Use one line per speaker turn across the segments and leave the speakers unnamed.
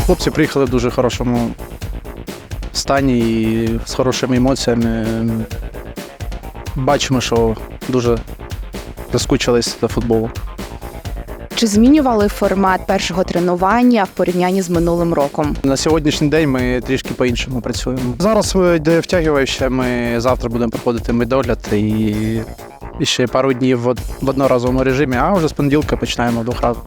Хлопці приїхали в дуже хорошому стані і з хорошими емоціями. Бачимо, що дуже заскучились до футболу.
Чи змінювали формат першого тренування в порівнянні з минулим роком?
На сьогоднішній день ми трішки по-іншому працюємо. Зараз йде втягуюче, ми завтра будемо проходити медогляд і ще пару днів в одноразовому режимі, а вже з понеділка починаємо двохразово.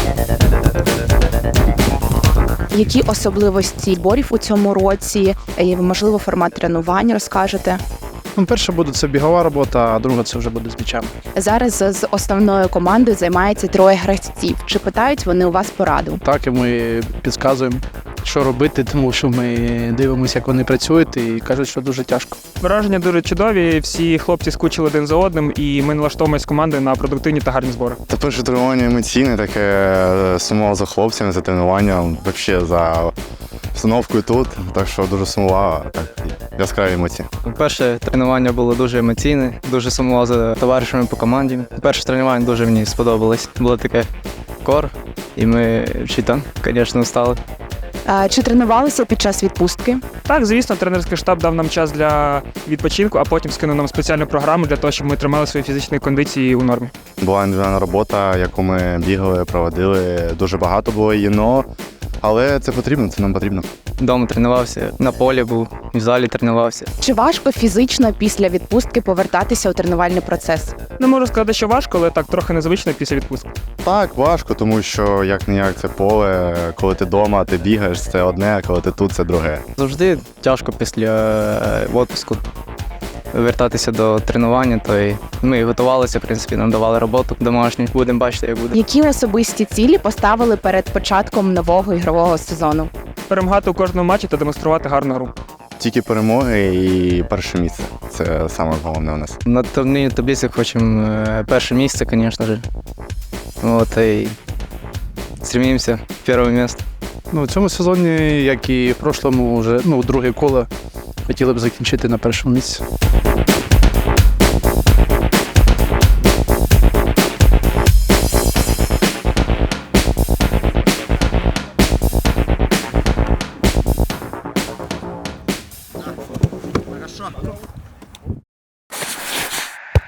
Які особливості зборів у цьому році? І, можливо, формат тренувань розкажете?
Перше буде це бігова робота, а друга це вже буде з м'ячами.
Зараз з основною командою займається 3 гравців. Чи питають вони у вас пораду?
Так, і ми підказуємо, що робити, тому що ми дивимося, як вони працюють, і кажуть, що дуже тяжко.
Враження дуже чудові, всі хлопці скучили один за одним, і ми налаштовуємося з командою на продуктивні та гарні збори.
Та перше тренування емоційне, таке сумував за хлопцями, за тренуванням, взагалі за установкою тут, так що дуже сумував, так, яскраві емоції.
Перше тренування було дуже емоційне, дуже сумував за товаришами по команді. Перше тренування дуже мені сподобалось. Було таке кор, і ми там, звісно, встали.
Чи тренувалися під час відпустки?
Так, звісно, тренерський штаб дав нам час для відпочинку, а потім скинув нам спеціальну програму для того, щоб ми тримали свої фізичні кондиції у нормі.
Була індивідуальна робота, яку ми бігали, проводили, дуже багато було її, але це потрібно, це нам потрібно.
Вдома тренувався, на полі був, в залі тренувався.
Чи важко фізично після відпустки повертатися у тренувальний процес?
Не можу сказати, що важко, але так трохи незвично після відпустки.
Так, важко, тому що як-не-як це поле, коли ти вдома, ти бігаєш, це одне, а коли ти тут, це друге.
Завжди тяжко після відпуску вертатися до тренування, то й ми готувалися, в принципі, нам давали роботу домашню. Будемо бачити, як буде.
Які особисті цілі поставили перед початком нового ігрового сезону?
Перемагати у кожному матчі та демонструвати гарну гру.
Тільки перемоги і перше місце. Це саме головне у нас.
На турнірній таблиці хочемо перше місце, звісно ж. От, і стремимося в перше місце.
В цьому сезоні, як і в прошлому, вже друге коло хотіли б закінчити на першому місці.